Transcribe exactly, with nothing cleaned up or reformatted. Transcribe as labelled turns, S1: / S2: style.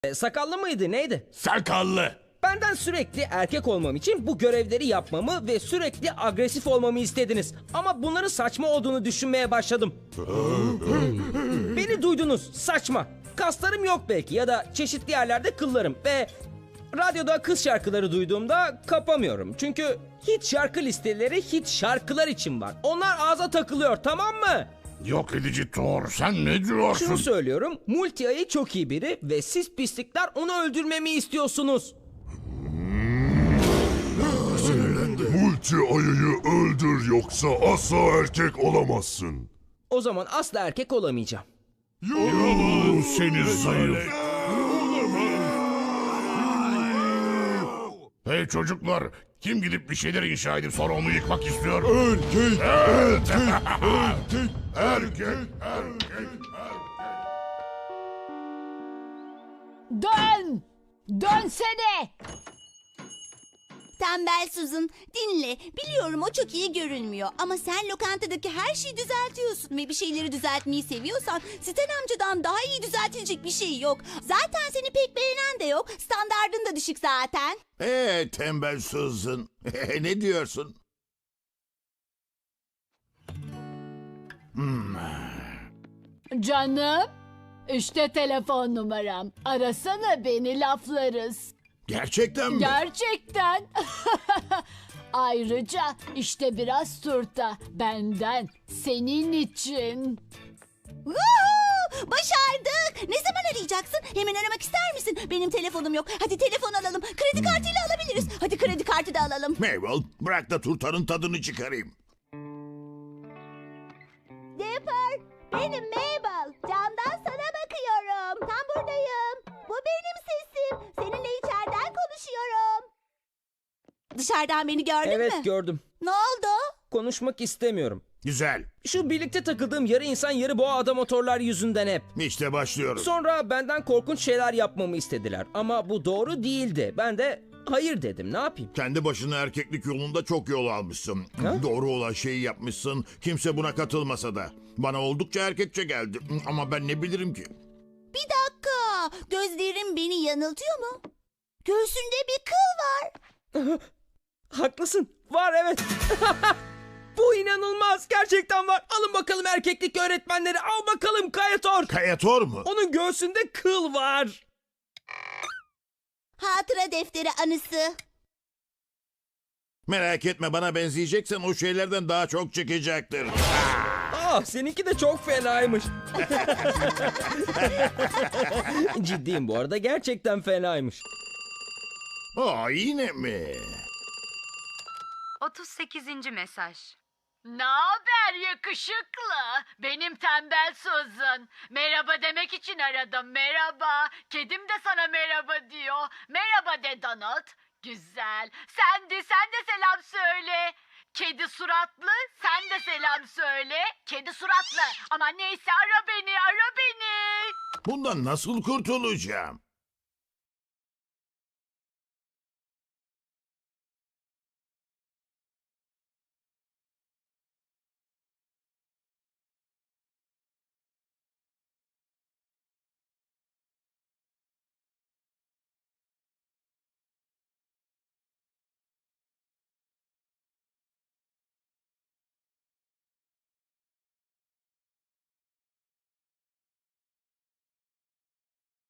S1: E, sakallı mıydı neydi?
S2: Sakallı.
S1: Benden sürekli erkek olmam için bu görevleri yapmamı ve sürekli agresif olmamı istediniz. Ama bunların saçma olduğunu düşünmeye başladım. Beni duydunuz, saçma. Kaslarım yok belki ya da çeşitli yerlerde kıllarım ve radyoda kız şarkıları duyduğumda kapamıyorum. Çünkü hit şarkı listeleri hit şarkılar için var. Onlar ağza takılıyor, tamam mı?
S2: Yok edici Thor, sen ne diyorsun?
S1: Şunu söylüyorum, Multi Ayı çok iyi biri ve siz pislikler onu öldürmemi istiyorsunuz.
S3: Multi ayıyı öldür yoksa asla erkek olamazsın.
S1: O zaman asla erkek olamayacağım.
S2: Yalan seni zayıf. Hey çocuklar, kim gidip bir şeyler inşa edip sonra onu yıkmak istiyor?
S3: Erkek, erkek, erkek,
S2: Erkek, erkek, erkek.
S4: Dön! Dönsene!
S5: Tembel Susan, dinle. Biliyorum o çok iyi görünmüyor ama sen lokantadaki her şeyi düzeltiyorsun ve bir şeyleri düzeltmeyi seviyorsan Stan amcadan daha iyi düzeltilecek bir şey yok. Zaten seni pek beğenen de yok. Standardın da düşük zaten.
S6: Ee tembel Susan. Ne diyorsun?
S4: Canım, işte telefon numaram. Arasana beni, laflarız.
S6: Gerçekten mi?
S4: Gerçekten. Ayrıca işte biraz turta benden, senin için.
S5: Woohoo! Başardık. Ne zaman arayacaksın? Hemen aramak ister misin? Benim telefonum yok. Hadi telefon alalım. Kredi kartıyla alabiliriz. Hadi kredi kartı da alalım.
S6: Mabel, bırak da turtanın tadını çıkarayım.
S5: Dipper, benim Mabel. Camdan sana bakıyorum. Tam buradayım. Bu benim sesim. Seninle içeriden konuşuyorum. Dışarıdan beni gördün
S1: Evet
S5: mü?
S1: gördüm.
S5: Ne oldu?
S1: Konuşmak istemiyorum.
S6: Güzel.
S1: Şu birlikte takıldığım yarı insan yarı boğa ada motorlar yüzünden hep.
S6: İşte başlıyoruz.
S1: Sonra benden korkunç şeyler yapmamı istediler. Ama bu doğru değildi. Ben de hayır dedim. Ne yapayım?
S6: Kendi başına erkeklik yolunda çok yol almışsın.
S1: Ha?
S6: Doğru olan şeyi yapmışsın. Kimse buna katılmasa da. Bana oldukça erkekçe geldi. Ama ben ne bilirim ki?
S5: Bir dakika. Gözlerim beni yanıltıyor mu? Göğsünde bir kıl var.
S1: Haklısın. Var evet. Bu inanılmaz. Gerçekten var. Alın bakalım erkeklik öğretmenleri. Al bakalım Kayator.
S6: Kayator mu?
S1: Onun göğsünde kıl var.
S5: Hatıra defteri anısı.
S6: Merak etme, bana benzeyeceksen o şeylerden daha çok çıkacaktır.
S1: Ah seninki de çok fenaymış. Ciddiyim bu arada. Gerçekten fenaymış.
S6: Aa, yine mi?
S7: otuz sekizinci mesaj.
S4: Ne haber yakışıklı? Benim tembel Susan. Merhaba demek için aradım. Merhaba. Kedim de sana merhaba diyor. Merhaba de Donald. Güzel. Sen de sen de selam söyle. Kedi suratlı, sen de selam söyle. Kedi suratlı. Ama neyse ara beni, ara beni.
S6: Bundan nasıl kurtulacağım?